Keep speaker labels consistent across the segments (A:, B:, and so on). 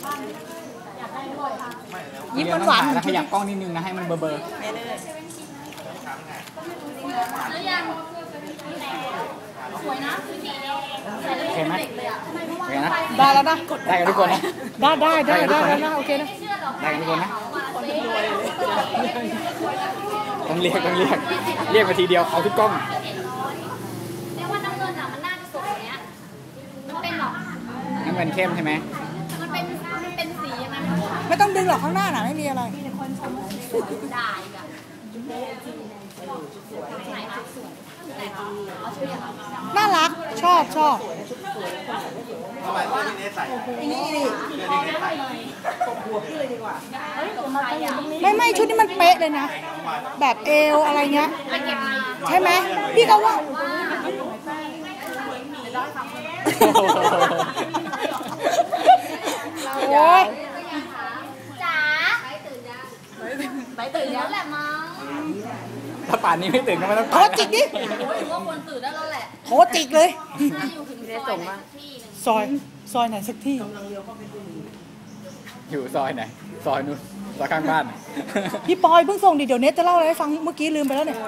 A: ยิ้มหวานๆแล้วขยับกล้องนิดนึงนะให้มันเบอร์
B: แล้วยังสวยนะ
A: โอเคไหมโอเคนะ
C: ได้แล้วนะ
A: ได้กันทุกคนนะ
C: ได้นะโอเคนะ
A: ได้กันทุกคนนะต้องเรียกมาทีเดียวเอาทุกกล้อง
B: เรียกว่าน้ำเงินอ่ะมันน่าจะสวยเนี้ยมันเป็นหรอ
A: น้ำเงินเข้มใช่ไหม
B: มันเป็นสียังไง
C: ไม่ต้องดึงหรอกข้างหน้าน่ะไม่มีอะไร
B: ได้อะไหนคะสวยไหนคะเอาชื่อยัง
C: น่ารักชอบไม่ชุดนี้มันเป๊ะเลยนะแบบเอวอะไรเงี้ยใช่ไหมพี่ก็ว่าโอ้ย
B: จ๋าไปตื่นแล้วแหละมั้ง
A: ถ้าป่านนี้ไม่ตื่นก็ไม่ต้อง
C: โทรจิกดิ
B: ถือว่าควรตื่นได้แล้วแหละ
C: โทรจิกเลย
B: ถ้าอยู่ถึง
C: ซอยไหนสักที่
A: อยู่ซอยไหนซอยนู้นซอยข้างบ้าน
C: พี่ปอยเพิ่งส่งดิเดี๋ยวเน็ตจะเล่าอะไรให้ฟังเมื่อกี้ลืมไปแล้วเนี่ย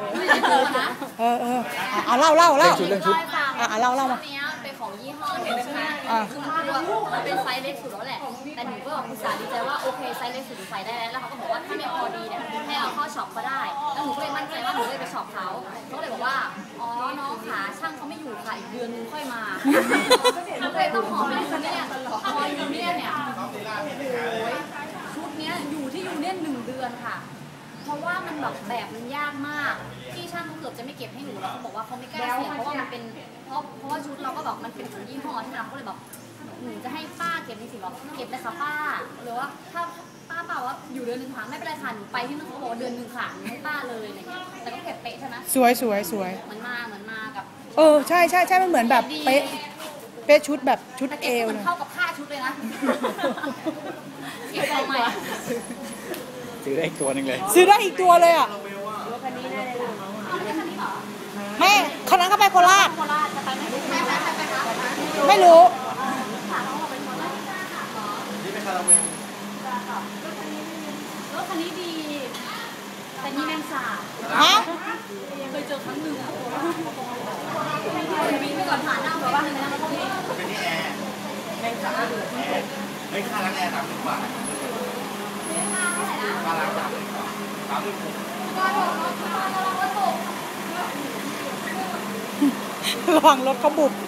C: เล่าเรื่องชุดเล่ามา
B: เป็นของยี่ห้อเนี่ยใช่ไหมคือมันเป็นไซส์เล็กสุดแล้วแหละแต่หนูก็อุตส่าห์ดีใจว่าโอเคไซส์เล็กสุดใส่ได้แล้วเขาก็บอกว่าถ้าไม่พอดีเนี่ยให้เอาเข้าช็อปก็ได้แล้วหนูก็เลยมั่นใจว่าหนูเลยไปช็อปเขาเลยบอกว่าอ๋อน้องขาช่างเขาไม่อยู่ค่ะอีกเดือนนึงค่อยมาหนูเลยต้องหอมเลยคนนี้พอยูเนี่ยชุดเนี้ยอยู่ที่ยูเนี่ย1 เดือนค่ะเพราะว่ามันแบบมันยากมากที่ช่างเขาเกือบจะไม่เก็บให้หนูแล้วเขาบอกว่าเขาไม่กล้าเสี่ยงเพราะว่ามันเป็นเพราะว่าชุดเราก็แบบมันเป็นของยี่ห้อที่เราก็เลยแบบหนูจะให้ป้าเก็บในสิ่งแบบเก็บเลยค่ะป้าหรือว่าถ้าป้าเปล่าว่าอยู่เดือนนึงค่ะไม่เป็นไรค่ะหนูไปที่นั่นเขาบอกว่าเดือนนึงค่ะหนูให้ป้าเลยอะไรเงี้ยแต่ก็เก็บเป๊ะใช่ไหม
C: สวย
B: มันมากับ
C: ใช่มันเหมือนแบบเป๊ะชุดแบบชุดเอว
B: มันเข้ากับค่าชุดเลยนะเก็บเอาใหม่
A: ซื้อได้อีกตัวนึงเลย
C: ซื้อได้อีกตัวเลยอ่ะแม่คันนั้นก็ไปโคราชไม่รู้
B: รถคันนี้ดีแต่นี่แมงสาบเคยเจอครั้งหนึ่งอ่ะวิ่งไปก่อนผ่านหน้าแบบว่าอะไรนะเขาเป็นที่แอร์แมงสาบ
D: ไม่ค่าล้างแอร์30 บาทค่าล้าง30 บาท
C: ระวังรถเขาบุบ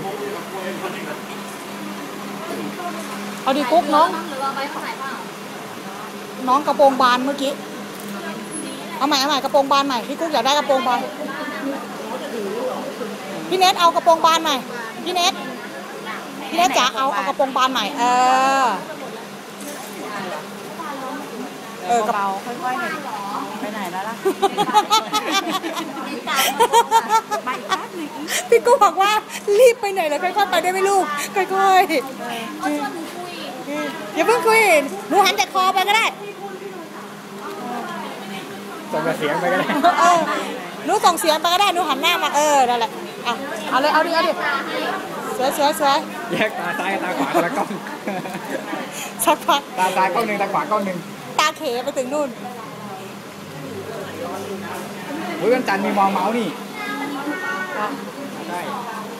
C: เอาดิกุ๊กน้องกระโปรงบานเมื่อกี้เอาใหม่กระโปรงบานใหม่พี่กุ๊กอยากได้กระโปรงบานพี่เนทเอากระโปรงบานใหม่พี่เนทจ๋าเอากระโปรงบานใหม่
E: กระเป๋าค่อยๆหน่อยไปไหนแล้วล่ะ
C: พี่กูบอกว่ารีบไปไหนแล้วค่อยๆไปได้ไหมลูกค่อยๆอย่าเพิ่งคุยหนูหันแต่คอไปก็ได้
A: ส่งเสียงไปก็ได้
C: หนูส่งเสียงไปก็ได้หนูหันหน้ามานั่นแหละเอาเลยเอาดิสวย
A: แยกตาซ้ายกับตาขวาคนละกล้อง
C: สักพัก
A: ตาซ้ายกล้องหนึ่งตาขวากล้องหนึ่ง
C: ตาเขไปถึงนู่น
A: วันจันทร์มีมองเมาส์นี่ใช่